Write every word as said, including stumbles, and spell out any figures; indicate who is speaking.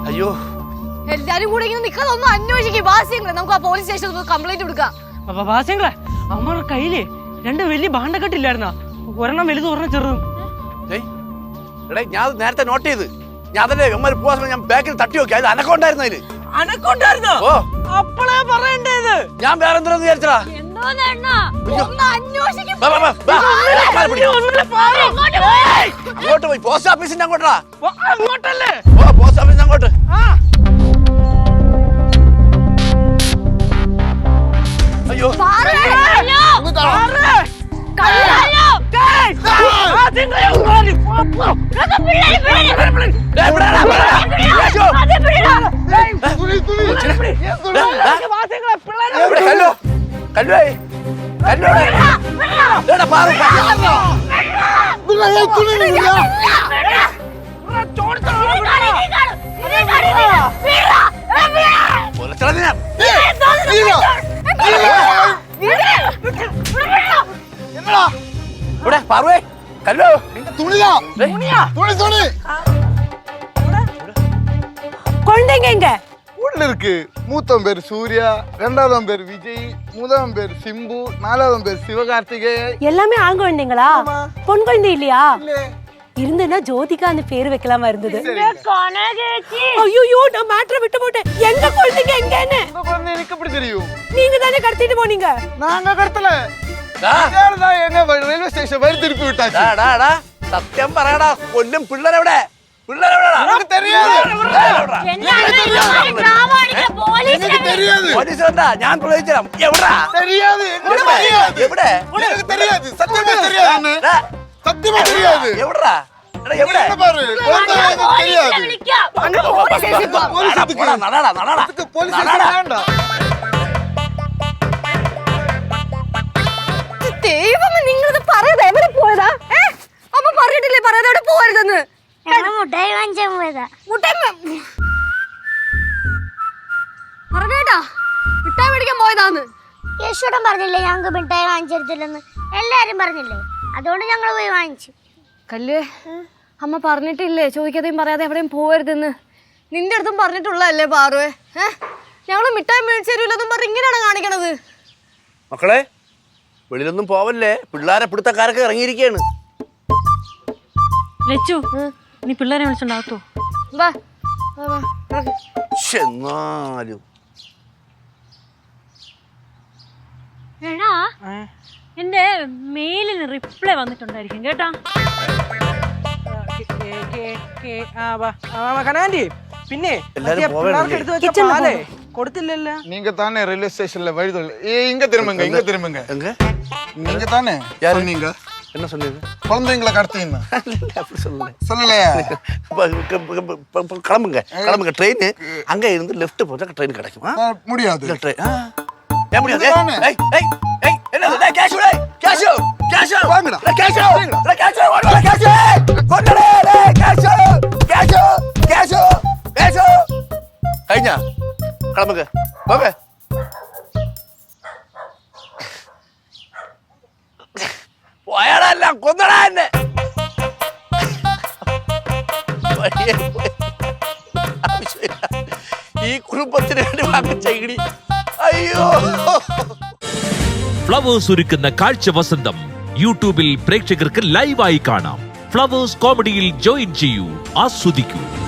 Speaker 1: അയ്യോ
Speaker 2: എല്ലാരും കൂടെ ഇങ്ങനെ നിൽക്കാതെ ഒന്ന് അന്വേഷിക്കും ബാസ്യങ്ങളെ. നമുക്ക് ആ പോലീസ് സ്റ്റേഷനിൽ കംപ്ലൈന്റ് കൊടുക്കാം.
Speaker 3: ബാസ്യങ്ങളെ അവന്മാരുടെ കയ്യില് രണ്ട് വലിയ ഭാണ്ഡക്കെട്ടില്ലായിരുന്ന, ഒരെണ്ണം വലുതും ഒരെണ്ണം ചെറുതും.
Speaker 1: ഞാൻ നേരത്തെ നോട്ട് ചെയ്ത് ഞാൻ അതല്ലേ അമ്മ പോവാ ഞാൻ ബാക്കിൽ തട്ടി നോക്കി. അത് അനക്കമുണ്ടായിരുന്നു. അതില്
Speaker 3: അനക്കമുണ്ടായിരുന്നോ?
Speaker 1: ഓ
Speaker 3: അപ്പളേ പറയണ്ടേത്.
Speaker 1: ഞാൻ വേറെ എന്തിനാന്ന് വിചാരിച്ചടാ. അങ്ങോട്ട് പോയി പോസ്റ്റ് ഓഫീസിന്റെ അങ്ങോട്ടാ.
Speaker 3: അങ്ങോട്ടല്ലേ?
Speaker 1: ഓ പോസ്റ്റ് ഓഫീസിന്റെ അങ്ങോട്ട്. അയ്യോ ഹലോ കല്ലോ പാർവേ കല്ലോ
Speaker 2: குழந்தைங்க எங்க
Speaker 4: உள்ள இருக்கு. மூத்தம் பேர் சூர்யா, ரெண்டாவதாம் பேர் விஜய், மூணாம் பேர் சிம்பு, நாலாவதாம் பேர் சிவகார்த்திகேயன்.
Speaker 2: எல்லாமே ஆண் குழந்தைங்களா? பொன் குழந்தை இல்லையா? இருந்தனா ஜோதிகா அந்த பேர் வைக்கலாமா இருந்தது. ஐயோ நான் மேட்டரை விட்டு போட்டேன். எங்க குழந்தைங்க எங்கன்னு
Speaker 4: உங்க குழந்தை எனக்கு எப்படி தெரியும்?
Speaker 2: நீங்க தானே கடத்திட்டு போனீங்க.
Speaker 4: நாங்க கடத்தல. எங்க ரயில்வே ஸ்டேஷன் வழி திருப்பி விட்டாச்சு.
Speaker 1: സത്യം പറയടാ. കൊല്ലും പിള്ളേരെവിടെ? പിള്ളേരെവിടെ? പോലീസ് വന്നാ ഞാൻ പ്രവചിച്ചരാം. എവിടാ? എവിടെ?
Speaker 4: சத்தியமா தெரியாது.
Speaker 1: எவடா எவடா நடடா நடடா
Speaker 4: போலீஸ் வேண்டாம்.
Speaker 2: ദൈവമേ നിങ്ങളിത് പറയാതെ എവിടെ പോയതാ? അമ്മ പറഞ്ഞിട്ടില്ലേ പറയാതെ എവിടെ പോകരുതെന്ന്?
Speaker 5: മുട്ടായി വാങ്ങിച്ചാൻ പോയതാ.
Speaker 2: മുട്ടായി പറഞ്ഞേട്ടാ മിഠായി മേടിക്കാൻ പോയതാന്ന്.
Speaker 5: യേശുടൻ പറഞ്ഞില്ലേ ഞങ്ങൾക്ക് മിഠായി വാങ്ങിച്ചെടുത്തില്ലെന്ന്? എല്ലാരും പറഞ്ഞില്ലേ, അതുകൊണ്ട് ഞങ്ങൾ പോയി വാങ്ങിച്ചു.
Speaker 2: കല്ല് അമ്മ പറഞ്ഞിട്ടില്ലേ ചോദിക്കാതെയും പറയാതെ എവിടെയും പോകരുതെന്ന്? നിന്റെ അടുത്തും പറഞ്ഞിട്ടുള്ളതല്ലേ പാറുവേ? ഏഹ് ഞങ്ങള് മിഠായി മേടിച്ചു തരൂലെന്നും പറഞ്ഞ് ഇങ്ങനെയാണ് കാണിക്കണത്.
Speaker 1: മക്കളെ വെളിയിലൊന്നും പോവല്ലേ, പിള്ളേരെ പിടുത്തക്കാരൊക്കെ ഇറങ്ങിയിരിക്കുകയാണ്.
Speaker 6: ലച്ചു നീ പിള്ളേരെ വിളിച്ചോണ്ടാകത്തോ?
Speaker 2: വാ വാ
Speaker 1: എന്നാലും
Speaker 6: എടാ എന്റെ മെയിലിന് റിപ്ലൈ വന്നിട്ടുണ്ടായിരിക്കും കേട്ടാ.
Speaker 3: കനാൻഡി പിന്നെ പിള്ളേർക്ക് എടുത്ത് വെച്ച പാലേ കൊടുത്തില്ലല്ലോ.
Speaker 4: நீங்க தானே ரயில்வே ஸ்டேஷன்ல வழி தொலை. இங்க திரும்புங்க, இங்க திரும்புங்க.
Speaker 1: எங்க?
Speaker 4: நீங்க தானே சொன்னீங்க.
Speaker 1: என்ன சொன்னீங்க?
Speaker 4: குழந்தைங்களை கடத்தினா
Speaker 1: அப்படி சொல்லல.
Speaker 4: சொல்லலையா?
Speaker 1: கிளம்புங்க கிளம்புங்க. ட்ரெயின் அங்க இருந்து லெஃப்ட் போச்சா ட்ரெயின் கிடைக்கும்.
Speaker 4: முடியாது.
Speaker 1: ஏன் முடியாது? ஏய் ஏய் ஏய் என்னது? டேய் கேஷ் டேய் கேஷ் கேஷ் வாங்குடா. டேய் கேஷ் டேய் கேஷ் வாங்குடா. கேஷ் கொண்டடே டேய் கேஷ் கேஷ் கேஷ் கேஷ் ஐயா கிளம்புங்க போங்க. പോയാടാ എല്ലാം കൊന്നടാ എന്നെ. ഈ കുടുംബത്തിന് വേണ്ടി വാങ്ങിച്ച ഇടി. അയ്യോ.
Speaker 7: ഫ്ലവേഴ്സ് ഒരുക്കുന്ന കാഴ്ച വസന്തം യൂട്യൂബിൽ പ്രേക്ഷകർക്ക് ലൈവായി കാണാം. ഫ്ലവേഴ്സ് കോമഡിയിൽ ജോയിൻ ചെയ്യൂ, ആസ്വദിക്കൂ.